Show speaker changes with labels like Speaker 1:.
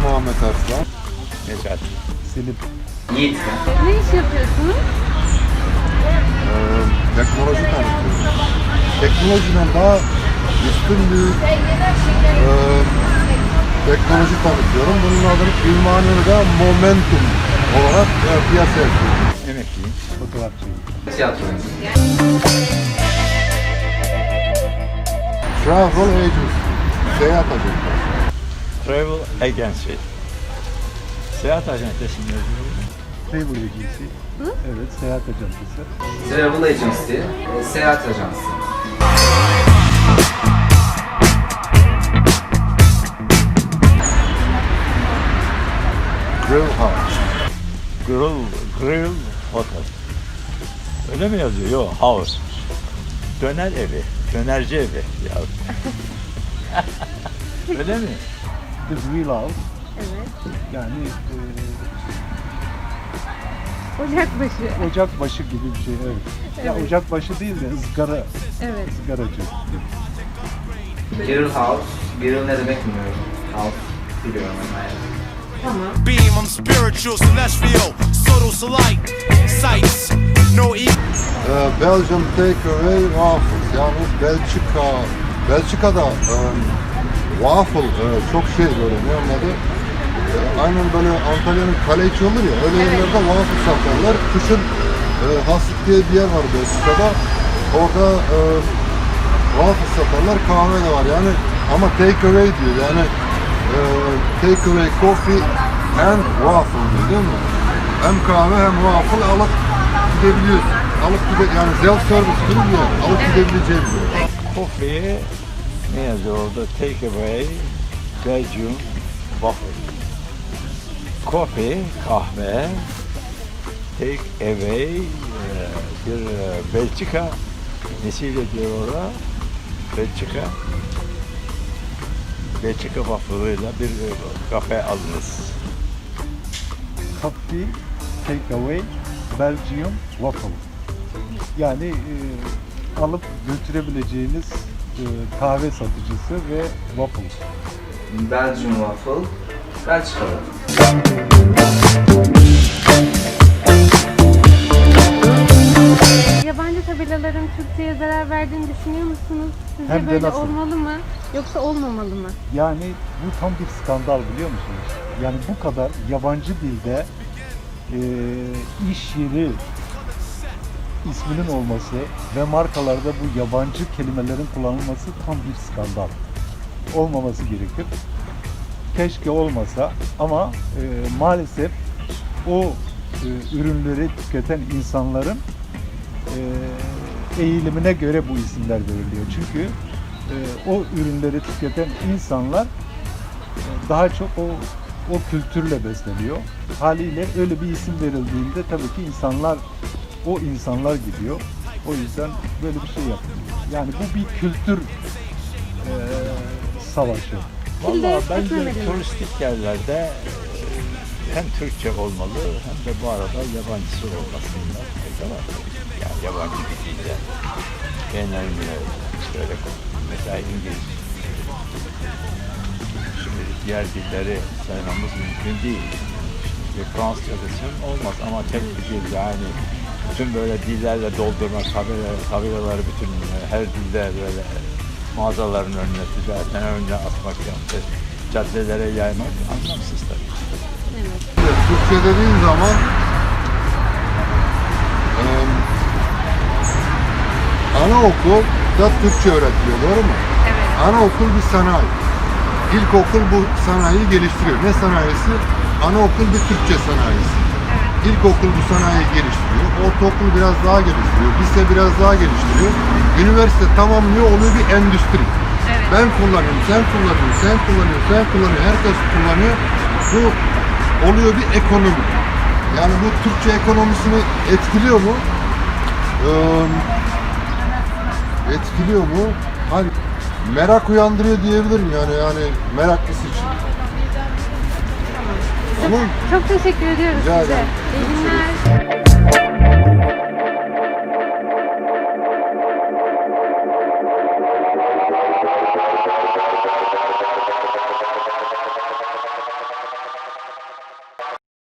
Speaker 1: Muhammed Arslan.
Speaker 2: Necat.
Speaker 1: Selim.
Speaker 3: Yiğit.
Speaker 4: Ne iş yapıyorsunuz?
Speaker 1: Teknoloji tanıtıyorum. Teknolojiden daha üstün bir teknoloji tanıtıyorum. Bunun adını Ülmaniye'de Momentum olarak piyasaya sürdüm.
Speaker 2: Emekliyim.
Speaker 1: Fotoğrafçıyım.
Speaker 3: Tiyatro.
Speaker 1: Travel Agency. Seyahat ajansı.
Speaker 2: Travel Agency. Seyahat acentesi mi?
Speaker 1: Travel Agency. Evet, seyahat ajansı.
Speaker 3: Travel Agency, seyahat ajansı.
Speaker 1: Grill House.
Speaker 2: Grill Hotel. Öyle mi yazıyor? Yok, house. Döner evi, dönerci evi. Ya. Öyle mi?
Speaker 1: The Grill House.
Speaker 4: Evet.
Speaker 1: Yani
Speaker 4: Ocakbaşı.
Speaker 1: ocakbaşı gibi bir şey. Evet. Ya
Speaker 4: Evet.
Speaker 1: ocakbaşı değil de ızgara,
Speaker 4: Evet.
Speaker 1: ızgaracı.
Speaker 3: Grill House, grill ne demek bilmiyorum. House biliyorum ama yani.
Speaker 4: Tamam.
Speaker 5: Beam, I'm spiritual, celestial, subtle light, sights, no ego.
Speaker 1: Belgium Takeaway Waffles. Yani Belçika'da waffle çok şey böyle ne onun adı? Aynen böyle Antalya'nın kale içi olur ya öyle yerlerde waffle satarlar. Kışın Haslik diye bir yer var Belçika'da. Orada waffle satarlar, kahve de var yani ama takeaway diyor yani takeaway coffee and waffle diyor değil mi? Hem kahve hem waffle alıp gidebiliyorsun. Yani self service gibi bir yer. Alıp gidebileceğin bir yer.
Speaker 2: Coffee ne yazıyor orada? Take away Belgium waffle. Coffee, kahve. Take away bir Belçika nesiyle diyor orada? Belçika waffle'ıyla bir kafe alınız.
Speaker 6: Coffee Takeaway Belgium Waffle. Yani alıp götürebileceğiniz kahve satıcısı ve waffle.
Speaker 3: Belgium Waffle, Belçikalı.
Speaker 4: Yabancı tabelaların Türkçe'ye zarar verdiğini düşünüyor musunuz? Sizce
Speaker 6: Hem de
Speaker 4: böyle
Speaker 6: nasıl?
Speaker 4: olmalı mı? Yoksa olmamalı mı?
Speaker 6: Yani bu tam bir skandal biliyor musunuz? Yani bu kadar yabancı dilde iş yeri isminin olması ve markalarda bu yabancı kelimelerin kullanılması tam bir skandal. Olmaması gerekir. Keşke olmasa ama maalesef o ürünleri tüketen insanların eğilimine göre bu isimler veriliyor. Çünkü o ürünleri tüketen insanlar daha çok o kültürle besleniyor. Haliyle öyle bir isim verildiğinde tabii ki o insanlar gidiyor. O yüzden böyle bir şey yapıyor. Yani bu bir kültür savaşı.
Speaker 2: Vallahi bence
Speaker 4: etmemeli.
Speaker 2: turistik yerlerde hem Türkçe olmalı hem de bu arada yabancısı olmasında fayda var. Yani yabancı bir dilde genellikle işte öyle mesela İngiliz. Şimdi diğer dilleri saymamız mümkün değil. Şimdi Fransızca desem olmaz ama tek bir dil yani bütün böyle dillerle doldurmak, tabelaları bütün her dilde böyle mağazaların önüne, ticaretin önüne asmak, caddelere yaymak anlamsız tabii.
Speaker 1: Türkçe dediğin zaman anaokul da Türkçe öğretiliyor, doğru mu?
Speaker 4: Evet.
Speaker 1: Anaokul bir sanayi. İlkokul bu sanayiyi geliştiriyor. Ne sanayisi? Anaokul bir Türkçe sanayisi. İlkokul bu sanayiyi geliştiriyor. Ortaokul biraz daha geliştiriyor. Lise biraz daha geliştiriyor. Üniversite tamamlıyor, oluyor bir endüstri.
Speaker 4: Evet.
Speaker 1: Ben kullanıyorum, sen kullanıyorsun, sen kullanıyorsun, sen kullanıyorsun, herkes kullanıyor. Bu oluyor bir ekonomi. Yani bu Türkçe ekonomisini etkiliyor mu? Etkiliyor mu? Hani merak uyandırıyor diyebilirim yani meraklısı için. Tamam.
Speaker 4: Çok teşekkür ediyoruz
Speaker 1: Rica
Speaker 4: size.
Speaker 1: ederim.
Speaker 4: İyi günler.